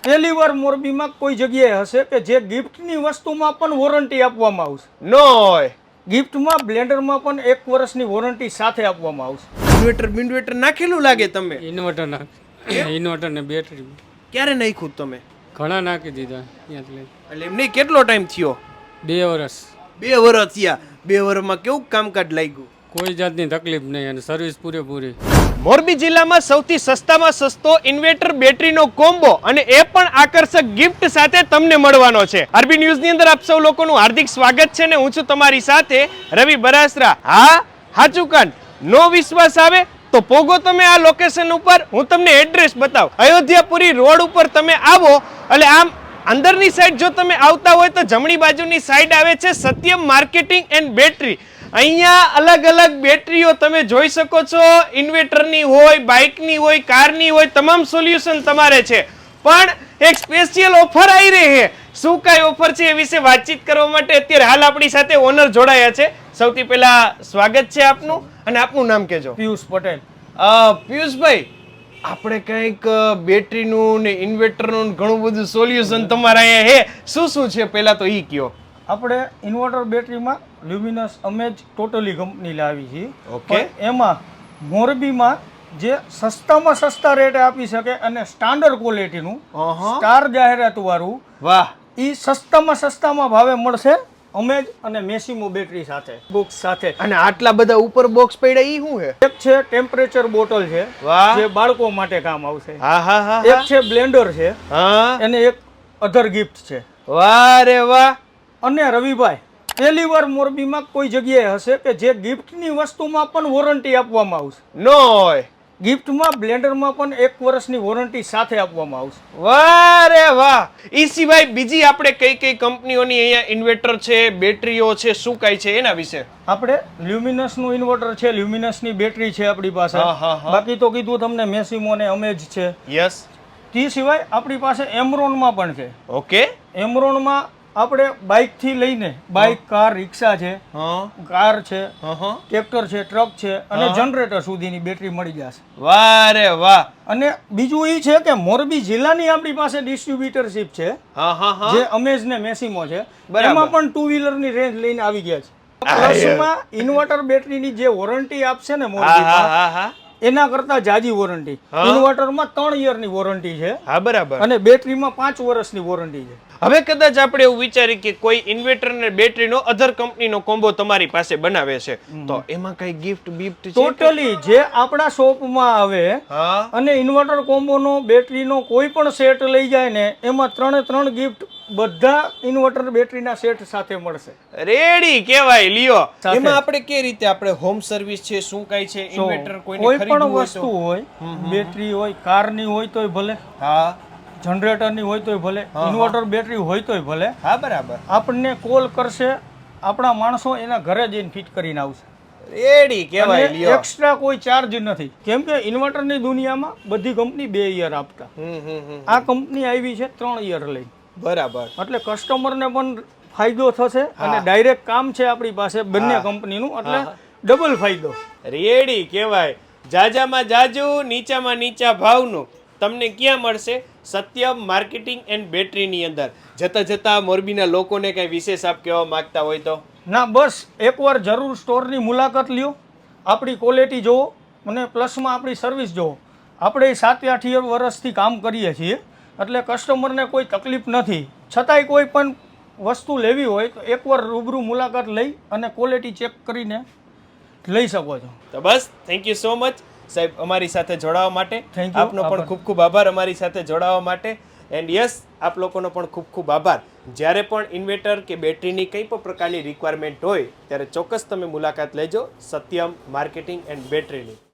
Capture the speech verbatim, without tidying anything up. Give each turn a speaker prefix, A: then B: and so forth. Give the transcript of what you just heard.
A: પહેલી વાર મોરબીમાં કોઈ જગ્યાએ હશે કે જે ગિફ્ટની વસ્તુમાં પણ વોરંટી આપવામાં આવશે.
B: નો હોય.
A: ગિફ્ટમાં બ્લેન્ડરમાં પણ એક વર્ષની વોરંટી સાથે આપવામાં આવશે.
B: ઇન્વર્ટર બિન્વર્ટર નાખેલું લાગે તમે.
C: ઇન્વર્ટર નાખ ઇન્વર્ટર ને બેટરી
B: ક્યારે નાખ્યું તમે?
C: ઘણા નાખી દીધા ત્યાંથી લઈ.
B: એટલે એમ નહીં, કેટલો ટાઈમ થયો?
C: બે વર્ષ.
B: બે વર્ષ થયા. બે વર્ષમાં કેવું કામકાજ લાગ્યું?
C: કોઈ જાતની તકલીફ નહીં અને સર્વિસ પૂરેપૂરી.
B: મોરબી જિલ્લામાં સૌથી સસ્તામાં સસ્તો ઇન્વર્ટર બેટરીનો કોમ્બો અને એ પણ આકર્ષક ગિફ્ટ સાથે તમને મળવાનો છે. આરબી ન્યૂઝની અંદર આપ સૌ લોકોનું હાર્દિક સ્વાગત છે ને હું છું તમારી સાથે રવિ બરાસરા. હા, હાચું કાન. નો વિશ્વાસ આવે તો પોગો તમે આ લોકેશન ઉપર, હું તમને એડ્રેસ બતાવ. અયોધ્યાપુરી રોડ ઉપર તમે આવો એટલે આમ અંદરની સાઈડ જો તમે આવતા હોય તો જમણી બાજુની સાઈડ આવે છે સત્યમ માર્કેટિંગ એન્ડ બેટરી. અહીંયા અલગ અલગ બેટરીઓ તમે જોઈ શકો છો. ઇન્વર્ટરની હોય, બાઇકની હોય, કારની હોય, તમામ સોલ્યુશન તમારે છે. પણ એક સ્પેશિયલ ઓફર આવી રહી છે. શું કઈ ઓફર છે એ વિશે વાતચીત કરવા માટે અત્યારે હાલ આપણી સાથે ઓનર જોડાયા છે. સૌથી પહેલા સ્વાગત છે આપનું, અને આપનું નામ કહેજો.
A: પિયુષ પટેલ.
B: પિયુષભાઈ, આપણે કંઈક બેટરીનું ને ઇન્વર્ટરનું ઘણું બધું સોલ્યુશન તમારા અહીંયા હે. શું શું છે પહેલા તો ઈ કયો.
A: આપણે ઇન્વર્ટર બેટરીમાં લ્યુમિનસ અમેજ ટોટલી કંપની લાવી છે.
B: ઓકે.
A: એમાં મોરબીમાં જે સસ્તામાં સસ્તા રેટે આપી શકે અને સ્ટાન્ડર્ડ ક્વોલિટીનું સ્ટાર જાહેરાત વાળું,
B: વાહ,
A: એ સસ્તામાં સસ્તામાં ભાવે મળશે અમેજ અને મેસિમો બેટરી સાથે, બોક્સ સાથે.
B: અને આટલા બધા ઉપર બોક્સ પડ્યા ઈ શું છે?
A: એક છે ટેમ્પરેચર બોટલ છે,
B: વાહ,
A: જે બાળકો માટે કામ આવશે.
B: હા હા હા.
A: એક છે બ્લેન્ડર છે,
B: હા,
A: અને એક અધર ગિફ્ટ છે.
B: વાહ રે વાહ.
A: અને રવિભાઈ, પહેલી વાર મોરબીમાં કોઈ જગ્યાએ હશે કે જે ગિફ્ટની વસ્તુમાં પણ વોરંટી આપવામાં આવશે.
B: નો હોય.
A: ગિફ્ટમાં બ્લેન્ડરમાં પણ એક વર્ષની વોરંટી સાથે આપવામાં આવશે.
B: વાહ રે વાહ. ઈ સિવાય બીજી આપણે કઈ કઈ કંપનીઓની અહીંયા ઇન્વર્ટર છે, બેટરીઓ છે, શું કઈ છે એના વિશે?
A: આપણે લ્યુમિનસનું ઇન્વર્ટર છે, લ્યુમિનસની બેટરી છે આપણી પાસે.
B: હા, હા, હા.
A: બાકી તો કીધું તમને મેસિમો ને અમેજ છે.
B: યસ.
A: તે સિવાય આપણી પાસે એમરોનમાં પણ છે.
B: ઓકે.
A: એમરોનમાં આપણે બાઇક થી લઈને બાઇક, કાર, રિક્ષા છે,
B: હા,
A: કાર છે,
B: હા,
A: ટ્રેક્ટર છે, ટ્રક છે અને જનરેટર સુધીની બેટરી મળી જશે.
B: વાહ રે વાહ.
A: અને બીજું એ છે કે મોરબી જિલ્લાની આપણી પાસે ડિસ્ટ્રીબ્યુટરશીપ છે,
B: હા હા હા.
A: જે અમેઝ ને મેસિમો છે.
B: બરાબર.
A: એમાં પણ ટુ વ્હીલર ની રેન્જ લઈને આવી ગયા છે. પ્લસમાં ઇન્વર્ટર બેટરીની જે વોરંટી આપશે ને
B: હા
A: મોરબીમાં,
B: હા હા.
A: એના કરતા જાજી વોરંટી. ઇન્વર્ટરમાં ત્રણ યર ની વોરંટી છે,
B: હા, બરાબર.
A: અને બેટરીમાં પાંચ વર્ષની વોરંટી છે.
B: હવે કદાચ આપણે એવું વિચારી કે કોઈ ઇન્વર્ટર ને બેટરીનો અધર કંપનીનો કોમ્બો તમારી પાસે બનાવે છે, તો એમાં કઈ ગિફ્ટ બિફ્ટ છે?
A: ટોટલી જે આપણા શોપમાં આવે
B: હા.
A: અને ઇન્વર્ટર કોમ્બોનો બેટરીનો કોઈ પણ સેટ લઈ જાય ને, એમાં ત્રણે ત્રણ ગિફ્ટ બધા ઇન્વર્ટર બેટરીના સેટ સાથે મળશે.
B: રેડી કહેવાય લ્યો.
A: સાથે.
B: એમાં આપણે કે રીતે આપણે હોમ સર્વિસ છે, શું કઈ છે,
A: So,
B: ઇન્વર્ટર કોઈને
A: કોઈ
B: ખરીદવું
A: પણ
B: હોય
A: વસ્તુ
B: તો?
A: હોય, બેટરી હોય, કારની હોય તોય ભલે,
B: હા
A: જનરેટરની હોય તોય ભલે, ઇન્વર્ટર બેટરી હોય તોય ભલે,
B: હા, બરાબર.
A: આપણને કોલ કરશે, આપણા માણસો એના ઘરે જઈને ફિટ કરીને આવશે.
B: રેડી કહેવાય
A: અને
B: લ્યો.
A: એક્સ્ટ્રા કોઈ ચાર્જ નથી, કેમ કે ઇન્વર્ટરની દુનિયામાં બધી કંપની બે યર આપતા.
B: હમ હમ હમ.
A: આ કંપની આવી છે ત્રણ યર લઈ,
B: બરાબર.
A: એટલે કસ્ટમરને પણ ફાયદો થશે અને ડાયરેક્ટ કામ છે આપણી પાસે બંને કંપનીનું, એટલે ડબલ ફાયદો.
B: રેડી કહેવાય. જાજામાં જાજુ, નીચામાં નીચા ભાવનું તમને ક્યાં મળશે? સત્યમ માર્કેટિંગ એન્ડ બેટરીની અંદર. જતા જતા મોરબીના લોકોને કઈ વિશેષ આપ કહેવા માંગતા હોય તો?
A: ના, બસ એકવાર જરૂર સ્ટોરની મુલાકાત લ્યો, આપણી ક્વોલિટી જુઓ અને પ્લસમાં આપણી સર્વિસ જુઓ. આપણે સાત આઠ વર્ષથી કામ કરીએ છીએ, એટલે કસ્ટમરને કોઈ તકલીફ નથી. છતાંય કોઈ પણ વસ્તુ લેવી હોય તો એકવાર રૂબરૂ મુલાકાત લઈ અને ક્વોલિટી ચેક કરીને લઈ શકો છો.
B: તો બસ, થેન્ક યુ સો મચ સાહેબ અમારી સાથે જોડાવા માટે.
A: Thank you.
B: આપનો પણ ખૂબ ખૂબ આભાર અમારી સાથે જોડાવા માટે. એન્ડ યસ, આપ લોકોનો પણ ખૂબ ખૂબ આભાર. જ્યારે પણ ઇન્વર્ટર કે બેટરીની કંઈ પણ પ્રકારની રિક્વાયરમેન્ટ હોય ત્યારે ચોક્કસ તમે મુલાકાત લેજો સત્યમ માર્કેટિંગ એન્ડ બેટરીની.